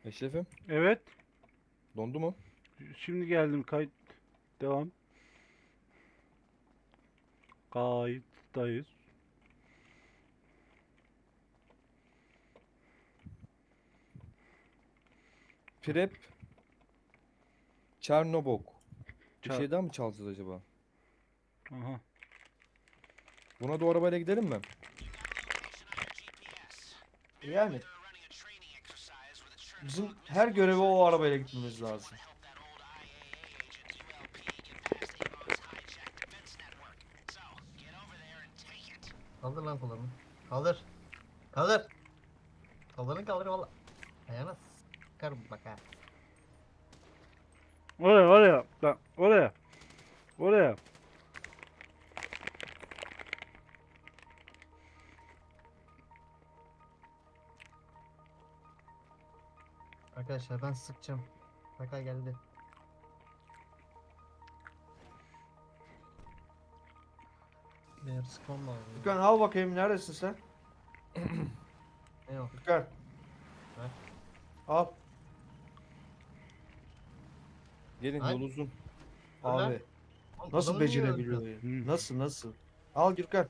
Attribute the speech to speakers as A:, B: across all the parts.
A: Eşref'im
B: Evet.
A: dondu mu?
B: Şimdi geldim. Kayıt. Devam. Kayıttayız.
A: Prep Çernobog. Bir
B: Ça-
A: şey daha mı çalacağız acaba?
B: Aha.
A: Buna da o arabayla gidelim mi?
C: Yani bizim her göreve o arabayla gitmemiz lazım.
D: Kaldır lan kollarını. Kaldır. Kaldır. Kollarını kaldır valla. Ayağına sıkarım bak ha.
B: Oraya. Bak, oraya. Oraya.
D: Arkadaşlar ben sıkacağım. Baka geldi. Benim sıkmam lazım.
C: Gürkan al bakayım neredesin sen?
D: Ne yok.
C: Gürkan.
D: Ver.
C: Al.
A: Gelin
D: Ay.
A: yol uzun.
D: Dur lan.
C: Abi
D: Oğlum,
C: nasıl
D: adamı niye
C: becerebiliyor
D: öldürdün?
C: ya?
B: Hı.
C: Nasıl? Al Gürkan.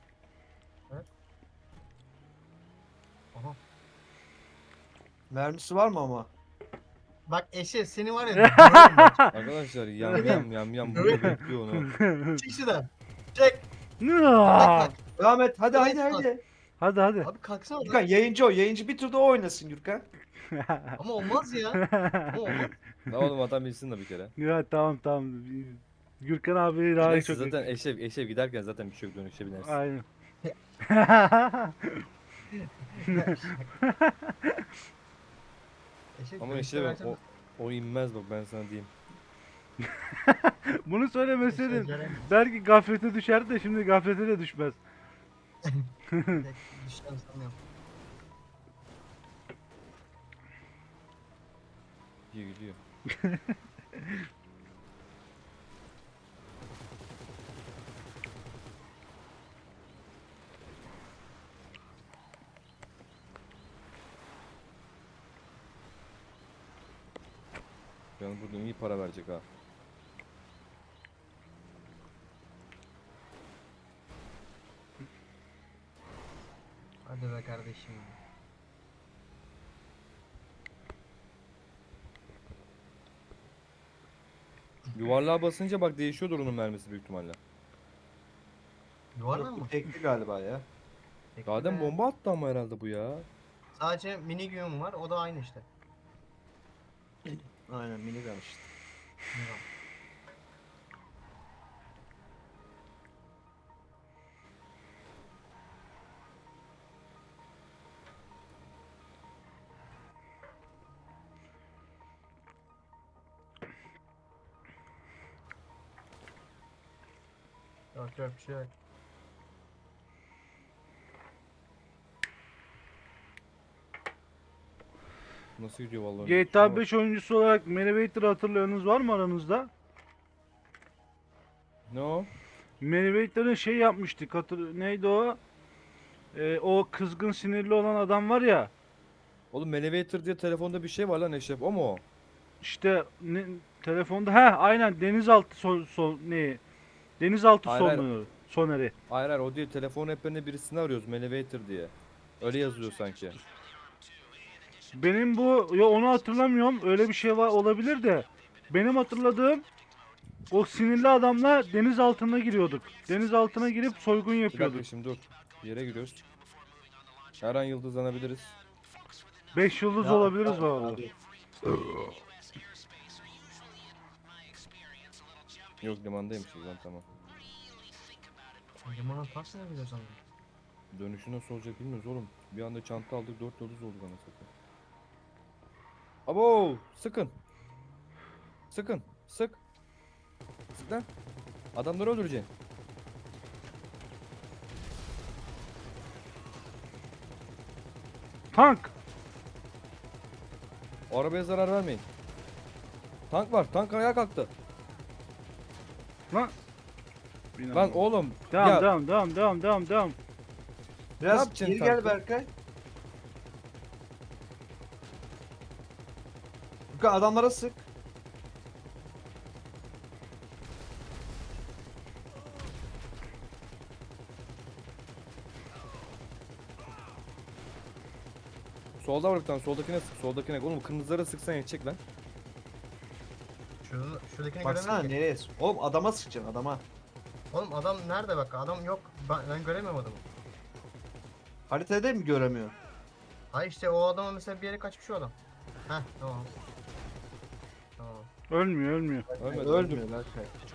D: Aha.
C: Mermisi var mı ama?
D: Bak Eşref seni var ya. döverim bak.
A: Arkadaşlar yam burada bekliyor onu.
D: Çık şuradan. Çek. Bak
B: Aa!
D: bak.
C: Devam et. Hadi
D: Evet,
C: hadi
D: bak.
C: hadi.
B: Hadi.
D: Abi kalksana
C: Gürkan
D: lan.
C: yayıncı o. Yayıncı bir turda o oynasın Gürkan.
D: Ama olmaz ya. Ama olmaz.
A: Ne oğlum adam bilsin de bir kere.
B: Ya tamam. Gürkan abi daha
A: Neyse
B: çok
A: zaten Eşref giderken zaten bir şey yok, dönüşe binersin.
B: Aynen.
D: Eşref
A: Ama
D: dönüşte
A: Eşref
D: versene.
A: o inmez bak, ben sana diyeyim.
B: Bunu söylemeseydin
D: Eşref Ceren.
B: belki gaflete düşerdi de şimdi gaflete de düşmez.
D: Düşten sanmıyorum.
A: Gidiyor. Yani buradan iyi para verecek ha.
D: Hadi be kardeşim.
A: Yuvarlığa basınca bak değişiyordur onun mermisi büyük ihtimalle.
D: Yuvarlan
C: Yok,
D: mı?
C: bu tekli galiba ya.
D: Peki
A: Zaten
D: be.
A: bomba attı ama herhalde bu ya.
D: Sadece mini güğüm var. O da aynı işte.
C: Aynen minigun işte.
D: Minigun. Yok bir şey yok.
A: Nasıl gidiyor vallahi?
B: GTA 5 oyuncusu olarak Meriwether'ı hatırlayanınız var mı aranızda?
A: Ne o?
B: Meriwether'ın şey yapmıştık. Neydi o? O kızgın sinirli olan adam var ya.
A: Oğlum Elevator diye telefonda bir şey var lan Eşref, o mu o?
B: İşte telefonda aynen denizaltı denizaltı
A: Hayır, hayır.
B: soneri.
A: Hayır o değil, telefon rehberinde birisini arıyoruz Elevator diye. Öyle yazılıyor sanki.
B: Benim bu onu hatırlamıyorum. Öyle bir şey var olabilir de. Benim hatırladığım o sinirli adamla deniz altına giriyorduk. Deniz altına girip soygun
A: Bir dakika
B: yapıyorduk.
A: şimdi dur. Bir yere giriyoruz. Her an yıldızlanabiliriz.
B: 5 yıldız
C: Ya,
B: olabiliriz bu arada.
C: abi.
A: Yok, limandaymışız lan, tamam.
D: Limanın taksi ne biliyorsun?
A: Dönüşü nasıl olacak bilmiyoruz oğlum. Bir anda çanta aldık, 4 yıldız olduk anasını satayım. Abo, sıkın. Sık. Sık lan. Adamları öldüreceksin.
B: Tank!
A: O arabaya zarar vermeyin. Tank var. Tank ayağa kalktı.
B: Lan!
A: Lan oğlum.
B: Devam,
A: ya
B: devam.
A: Ne
C: Biraz
A: yapacaksın
C: geri gel
A: tankı?
C: Berkay. Gürkan adamlara sık.
A: Solda var bir tane. Soldakine sık. Soldakine. Oğlum kırmızılara sıksan yetecek lan.
D: Şuradakini
C: Baksana
D: göremiyorum ki.
C: nereye? Oğlum adama sıkacaksın adama.
D: Oğlum adam nerede bak? Adam yok. Ben göremiyorum adamı.
C: Haritada mı göremiyor?
D: Ay işte o adama mesela bir yere kaçmış o adam. Heh tamam. Tamam.
B: Ölmüyor ölmüyor.
A: Ölmedi.
C: Ölmüyor lan.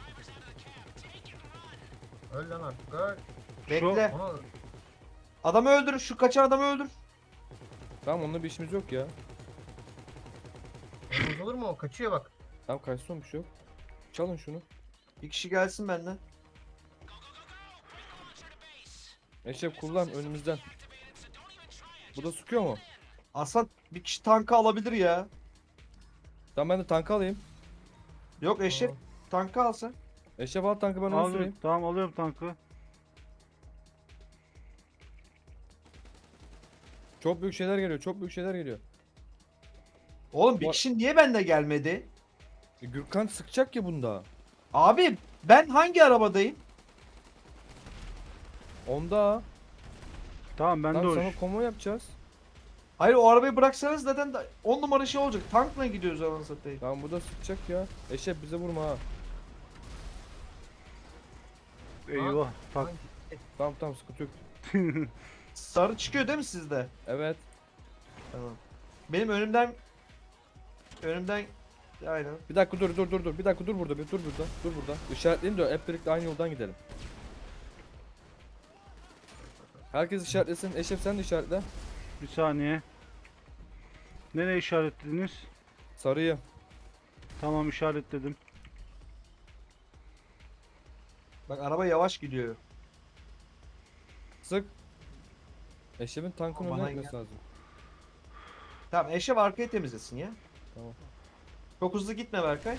D: Öl lan artık öl.
C: Bekle.
D: Onu
C: Adamı öldür. Şu kaçan adamı öldür.
A: Tamam onunla bir işimiz yok ya.
D: olmaz olur mu o? Kaçıyor bak.
A: Tamam kaçsın bir şey yok. Çalın şunu.
C: Bir kişi gelsin benden.
A: Eşref kullan önümüzden. Bu da sıkıyor mu?
C: Aslan bir kişi tankı alabilir ya.
A: Tamam ben de tankı alayım.
C: Yok eşek
D: Tamam.
C: tankı alsın.
A: Eşref al tankı ben onu
B: Alıyorum.
A: süreyim.
B: Tamam alıyorum tankı.
A: Çok büyük şeyler geliyor. Çok büyük şeyler geliyor.
C: Oğlum bir
A: Bu-
C: kişi niye bende gelmedi?
A: Gürkan sıkacak ya bunda.
C: Abi ben hangi arabadayım?
A: Onda.
B: Tamam ben de
A: Lan
B: o
A: sana
B: iş.
A: konvoy yapacağız.
C: Hayır o arabayı bıraksanız zaten 10 numara şey olacak. Tankla gidiyoruz anasını satayım.
A: Tamam bu da sıkacak ya. Eşref bize vurma ha.
B: Eyvah. Tak.
A: Tamam tamam sıkıntı yok.
C: Sarı çıkıyor değil mi sizde?
A: Evet.
C: Tamam. Benim önümden aynen.
A: Bir dakika dur. Bir dakika dur burada. Dur burada. İşaretleyin de hep birlikte aynı yoldan gidelim. Herkes işaretlesin. Eşref sen de işaretle.
B: Bir saniye. Nereye işaretlediniz?
A: Sarıyı.
B: Tamam işaretledim.
C: Bak araba yavaş gidiyor.
A: Sık. Eşref'in tankın
C: Bana
A: önüne gitmesi lazım.
C: Tamam Eşref arkayı temizlesin ya.
A: Tamam.
C: Çok hızlı gitme Berkay.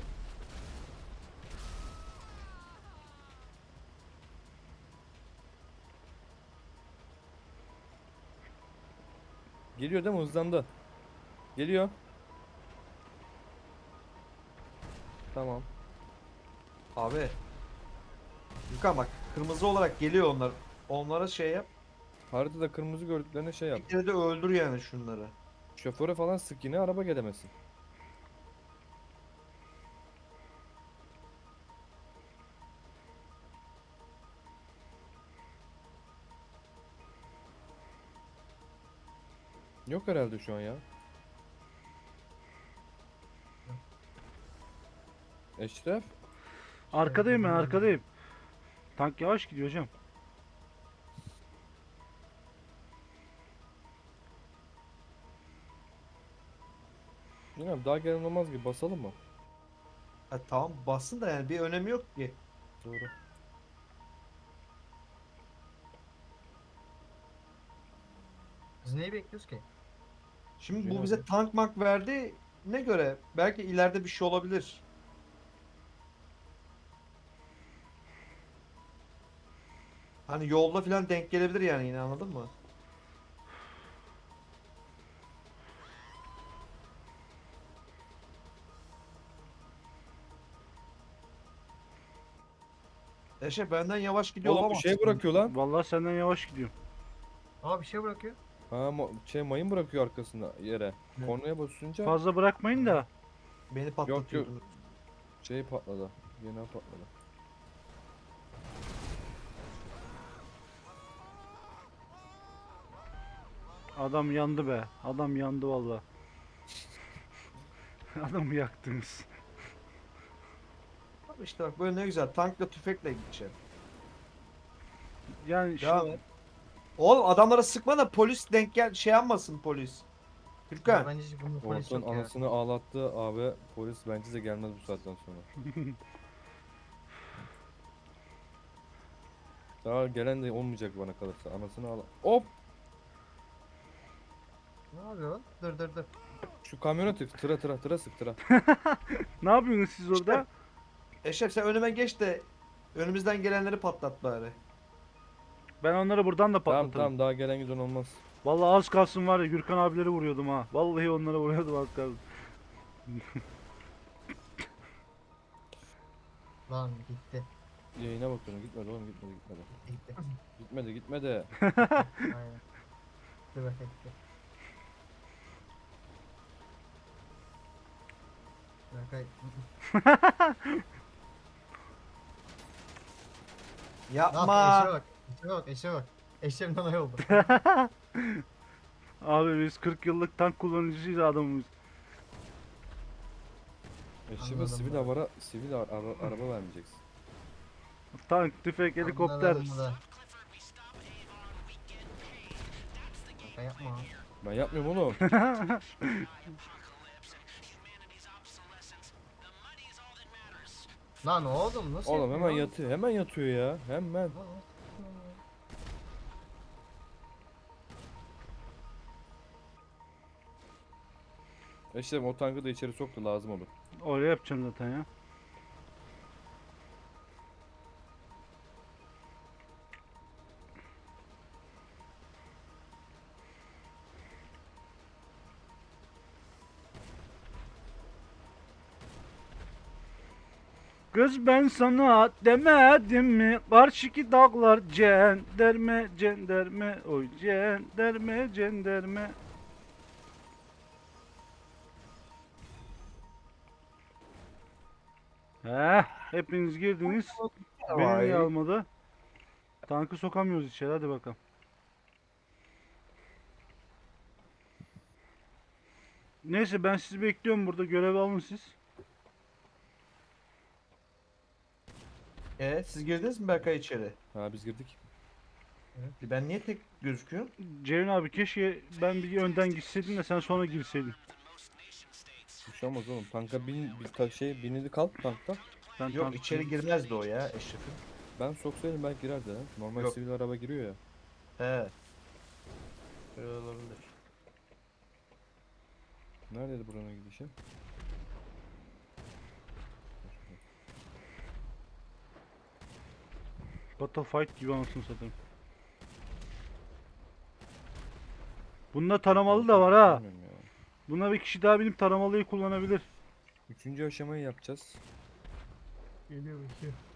A: Geliyor değil mi? Hızlandı. Geliyor. Tamam.
C: Abi. Yukan bak kırmızı olarak geliyor onlar. Onlara şey yap.
A: Haritada kırmızı gördüklerine şey yap.
C: Bir kere de öldür yani şunları.
A: Şoföre falan sık yine araba gelemesin. Yok herhalde şu an ya. Eşref.
B: Arkadayım ben arkadayım. Tank yavaş gidiyor hocam.
A: Bilmiyorum daha gelen olmaz gibi basalım mı?
C: Ha, tamam bassın da yani bir önemi yok ki.
A: Doğru.
D: Biz neyi bekliyoruz ki?
C: Şimdi
A: Yine
C: bu bize
A: öyle.
C: tank mank verdi. Ne göre? Belki ileride bir şey olabilir. Hani yolda falan denk gelebilir yani yine anladın mı? Eşe benden yavaş gidiyor
A: Oğlum bir
C: olamaz.
A: şey bırakıyor lan.
B: Vallahi senden yavaş gidiyorum.
D: Aa bir şey bırakıyor.
A: Ha mayın bırakıyor arkasında yere.
C: Ne?
A: Kornaya basınca
B: Fazla bırakmayın da.
C: Beni patlatıyordun.
A: şey patladı. Yine patladı.
B: Adam yandı be. Adam yandı vallahi. Adamı yaktınız.
C: İşte bak böyle ne güzel tankla tüfekle gideceğim.
B: Yani
C: Devam
B: şimdi
C: et. Oğlum adamlara sıkma da polis denk gel şey yapmasın polis.
D: Ya
C: Türkan.
D: bence hiç bunun polis
A: Ortadan
D: yok ya.
A: anasını ağlattı abi. Polis bence de gelmez bu saatten sonra. Daha gelen de olmayacak bana kalırsa. Anasını ağla. Hop!
D: Ne yapıyor lan? Dur.
A: Şu kamyona tık. Tıra sık tıra.
B: ne yapıyorsunuz siz orada?
C: Eşref sen önüme geç de önümüzden gelenleri patlat bari.
B: Ben onları buradan da
A: Tamam
B: patlatırım.
A: tamam daha gelen giden olmaz.
B: Vallahi az kalsın var ya Gürkan abileri vuruyordum ha. Vallahi onlara vuruyordum az kalsın.
D: Lan gitti.
A: Yayına bakıyorum. Gitmedi oğlum, gitmedi.
D: Gitti.
A: Gitmedi.
D: Aynen. Dur bakayım gitti. Berkay. Ne
C: Yapma.
D: yaptın? Eşeğe bak. Eşeğimden ay oldu.
B: Abi biz 40 yıllık tank kullanıcıyız adamımız.
A: Eşime
D: Anladım
A: sivil araba vermeyeceksin.
B: Tank, tüfek, helikopter.
D: Anladım bu da. Şaka yapma.
A: Ben yapmıyorum oğlum.
D: Lan oğlum nasıl
A: Oğlum hemen
D: yapıyor?
A: yatıyor. Hemen yatıyor ya. Hemen. Eşim o tankı da içeri soktu, lazım olur.
B: Öyle yapacağım zaten ya. Kız ben sana demedim mi? Karşıki dağlar cenderme cenderme oy cenderme cenderme. Hepiniz girdiniz. Beni niye almadı? Tankı sokamıyoruz içeri, hadi bakalım. Neyse ben sizi bekliyorum burada, görev alın siz.
C: Siz girdiniz mi Berkay içeri?
A: Ha, biz girdik.
C: Ben niye tek gözüküyorum?
B: Ceyhun abi keşke ben bir önden gitseydim de sen sonra girseydin.
A: Bir şey olmaz oğlum. Tanka binili kalk tankta.
B: Ben
C: Yok
B: tank-
C: içeri girmezdi o ya Eşref'in.
A: Ben soksaydım belki girerdi ha. Normal
C: Yok.
A: sivil araba giriyor ya.
C: He. Öyle olabilir.
A: Neredeydi buranın gidişi?
B: Battlefight gibi anasını satayım. Bunda taramalı da var ha.
A: Bilmiyorum ya.
B: Buna bir kişi daha binip taramalıyı kullanabilir.
A: 3. aşamayı yapacağız.
D: Geliyor bakıyor.